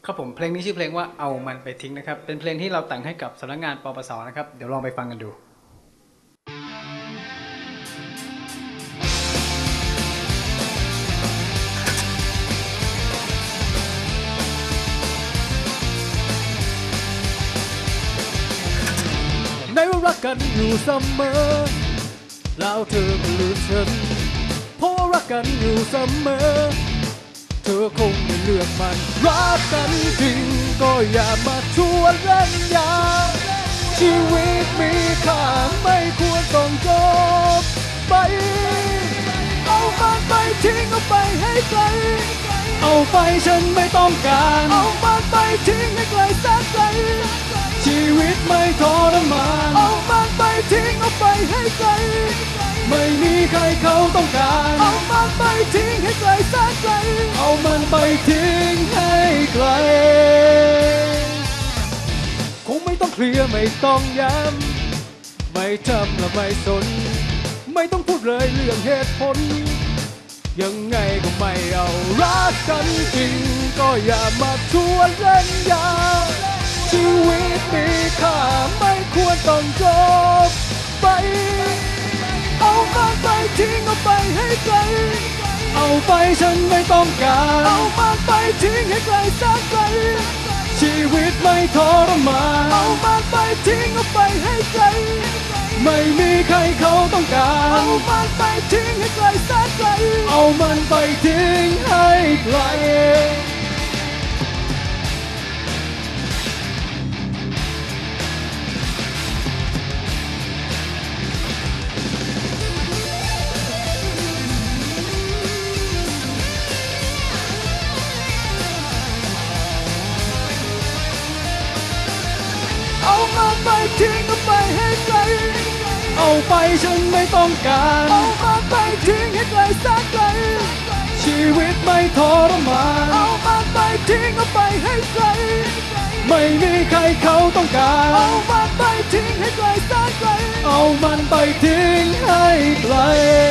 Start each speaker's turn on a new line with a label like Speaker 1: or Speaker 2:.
Speaker 1: ครับผมเพลงนี้ชื่อเพลงว่าเอามันไปทิ้งนะครับเป็นเพลงที่เราแต่งให้กับสำนักงานปปสนะครับเดี๋ยวลองไปฟังกันดูในว่ารักกันอยู่เสมอแล้วเธอก็ลืมฉันเพราะว่ารักกันอยู่เสมอเธอคงไม่เลือกมันรักกันจริงก็อย่ามาชวนเล่นยาชีวิตมีค่าไม่ควรต้องจบไปเอามันไปทิ้งเอาไปให้ไกลเอาไปฉันไม่ต้องการเอามันไปทิ้งให้ไกลแสนไกลชีวิตไม่ทรมานเอามันไปทิ้งเอาไปให้ไกลไม่มีใครเขาต้องการเอามันไปทิ้งให้ไกลแสนไกลเอามันไปทิ้งให้ไกลคงไม่ต้องเคลียร์ไม่ต้องย้ำไม่จำและไม่สนไม่ต้องพูดเลยเรื่องเหตุผลยังไงก็ไม่เอารักกันจริงก็อย่ามาชวนเล่นยาชีวิตมีค่าไม่ควรต้องจบไปเอามันไปทิ้งเอาไปให้ไกลเอาไปฉันไม่ต้องการเอามันไปทิ้งให้ไกลแสนไกลชีวิตไม่ทรมานเอามันไปทิ้งเอาไปให้ไกลไม่มีใครเขาต้องการเอามันไปทิ้งให้ไกลแสนไกลเอามันไปทิ้งให้ไกลเอามันไปทิ้งเอาไปให้ไกลเอาไปฉันไม่ต้องการเอามันไปทิ้งให้ไกลแสนไกลชีวิตไม่ทรมานเอามันไปทิ้งเอาไปให้ไกลไม่มีใครเขาต้องการเอามันไปทิ้งให้ไกลแสนไกลเอามันไปทิ้งให้ไกล